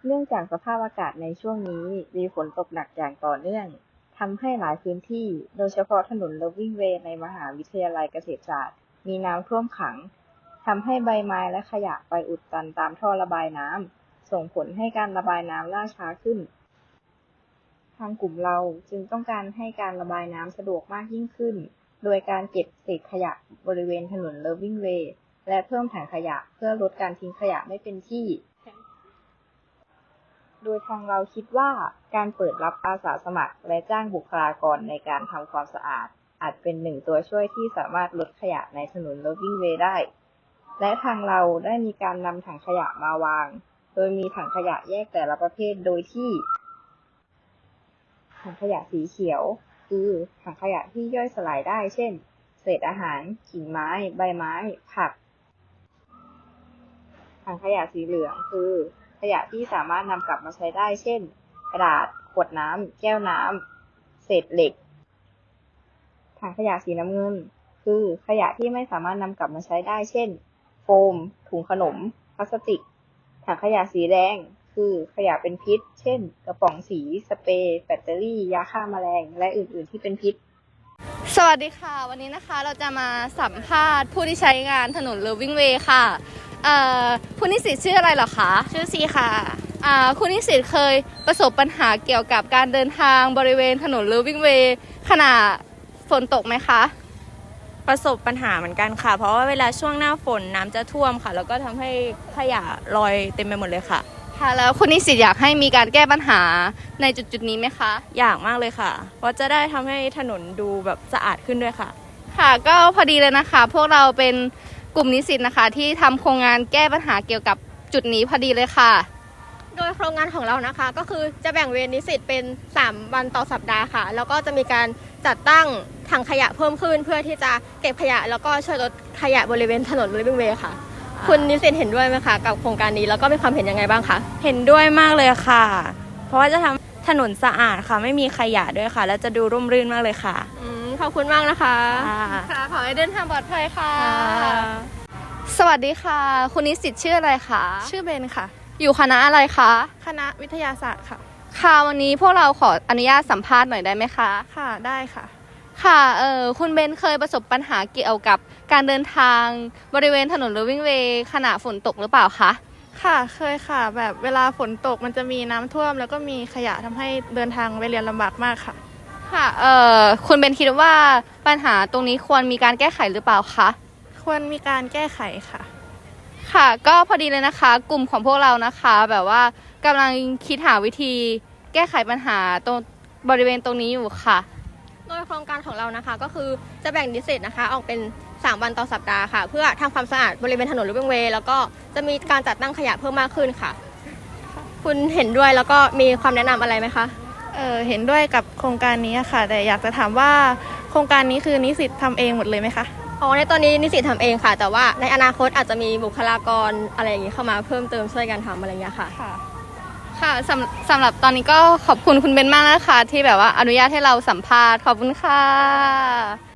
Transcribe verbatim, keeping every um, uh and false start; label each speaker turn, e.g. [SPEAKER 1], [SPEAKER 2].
[SPEAKER 1] เนื่องจากสภาพอากาศในช่วงนี้มีฝนตกหนักอย่างต่อเนื่องทำให้หลายพื้นที่โดยเฉพาะถนน Loving Way ในมหาวิทยาลัยเกษตรศาสตร์มีน้ำท่วมขังทำให้ใบไม้และขยะไปอุดตันตามท่อระบายน้ำส่งผลให้การระบายน้ำล่าช้าขึ้นทางกลุ่มเราจึงต้องการให้การระบายน้ำสะดวกมากยิ่งขึ้นโดยการเก็บเศษขยะบริเวณถนน Loving Way และเพิ่มถังขยะเพื่อลดการทิ้งขยะไม่เป็นที่โดยทางเราคิดว่าการเปิดรับอาสาสมัครและจ้างบุคลากรในการทำความสะอาดอาจเป็นหนึ่งตัวช่วยที่สามารถลดขยะในถนน Loving Way ได้และทางเราได้มีการนำถังขยะมาวางโดยมีถังขยะแยกแต่ละประเภทโดยที่ถังขยะสีเขียวคือถังขยะที่ย่อยสลายได้เช่นเศษอาหารกิ่งไม้ใบไม้ผักถังขยะสีเหลืองคือขยะที่สามารถนำกลับมาใช้ได้เช่นกระดาษขวดน้ำแก้วน้ำเศษเหล็กถังขยะสีน้ำเงินคือขยะที่ไม่สามารถนำกลับมาใช้ได้เช่นโฟมถุงขนมพลาสติกถังขยะสีแดงคือขยะเป็นพิษเช่นกระป๋องสีสเปรย์แบตเตอรี่ยาฆ่าแมลงและอื่นๆที่เป็นพิษ
[SPEAKER 2] สวัสดีค่ะวันนี้นะคะเราจะมาสัมภาษณ์ผู้ที่ใช้งานถนน Loving Way ค่ะคุณนิสิตชื่ออะไรเหรอคะ
[SPEAKER 3] ชื่อซีค่ะ
[SPEAKER 2] คุณนิสิตเคยประสบปัญหาเกี่ยวกับการเดินทางบริเวณถนน Loving Way ขณะฝนตกไหมคะ
[SPEAKER 3] ประสบปัญหาเหมือนกันค่ะเพราะว่าเวลาช่วงหน้าฝนน้ำจะท่วมค่ะแล้วก็ทำให้ขยะลอยเต็มไปหมดเลยค่ะ
[SPEAKER 2] ค่ะแล้วคุณนิสิตอยากให้มีการแก้ปัญหาในจุดๆนี้ไหมคะ
[SPEAKER 3] อยากมากเลยค่ะเพราะจะได้ทำให้ถนนดูแบบสะอาดขึ้นด้วยค่ะ
[SPEAKER 2] ค่ะก็พอดีเลยนะคะพวกเราเป็นกลุ่มนิสิตนะคะที่ทำโครงงานแก้ปัญหาเกี่ยวกับจุดนี้พอดีเลยค่ะ
[SPEAKER 4] โดยโครงงานของเรานะคะก็คือจะแบ่งเวรนิสิตเป็นสามวันต่อสัปดาห์ค่ะแล้วก็จะมีการจัดตั้งถังขยะเพิ่มขึ้นเพื่อที่จะเก็บขยะแล้วก็ช่วยลดขยะบริเวณถนน Loving Way ค่ะคุณนิสิตเห็นด้วยไหมคะกับโครงการนี้แล้วก็มีความเห็นยังไงบ้างคะ
[SPEAKER 3] เห็นด้วยมากเลยค่ะเพราะว่าจะทำถนนสะอาดค่ะไม่มีขยะด้วยค่ะแล้วจะดูร่มรื่นมากเลยค่ะ
[SPEAKER 4] อืมขอบคุณมากนะคะ
[SPEAKER 2] ค่ะขอให้เดินทางปลอดภัยค่ะสวัสดีค่ะคุณนิสิตชื่ออะไรคะ
[SPEAKER 5] ชื่อเบนค่ะ
[SPEAKER 2] อยู่คณะอะไรคะ
[SPEAKER 5] คณะวิทยาศาสตร์ค่ะ
[SPEAKER 2] ค่ะวันนี้พวกเราขออนุญาตสัมภาษณ์หน่อยได้ไหมคะ
[SPEAKER 5] ค่ะได้ค่ะ
[SPEAKER 2] ค่ะเออคุณเบนเคยประสบปัญหาเกี่ยวกับการเดินทางบริเวณถนน Loving Way ขณะฝนตกหรือเปล่าคะ
[SPEAKER 5] ค่ะเคยค่ะแบบเวลาฝนตกมันจะมีน้ำท่วมแล้วก็มีขยะทำให้เดินทางไปเรียนลำบากมากค่ะ
[SPEAKER 2] ค่ะเออคุณเบนคิดว่าปัญหาตรงนี้ควรมีการแก้ไขหรือเปล่าคะ
[SPEAKER 5] ควรมีการแก้ไขค่ะ
[SPEAKER 2] ค่ะก็พอดีเลยนะคะกลุ่มของพวกเรานะคะแบบว่ากำลังคิดหาวิธีแก้ไขปัญหาตรงบริเวณตรงนี้อยู่ค่ะ
[SPEAKER 4] โดยโครงการของเรานะคะก็คือจะแบ่งนิสิตนะคะออกเป็นสามวันต่อสัปดาห์ค่ะเพื่อทำความสะอาดบริเวณถนน Loving Way แล้วก็จะมีการจัดตั้งขยะเพิ่มมากขึ้นค่ะคุณเห็นด้วยแล้วก็มีความแนะนำอะไรไหมคะ
[SPEAKER 5] เออเห็นด้วยกับโครงการนี้ค่ะแต่อยากจะถามว่าโครงการนี้คือนิสิตทำเองหมดเลยไหมคะ
[SPEAKER 4] อ๋อในตอนนี้นิสิตทำเองค่ะแต่ว่าในอนาคตอาจจะมีบุคลากรอะไรอย่างนี้เข้ามาเพิ่มเติมช่วยกันทำอะไรอย่างเงี้ยค่ะ
[SPEAKER 2] ค่ะสำสำหรับตอนนี้ก็ขอบคุณคุณเบนมากนะคะที่แบบว่าอนุญาตให้เราสัมภาษณ์ขอบคุณค่ะ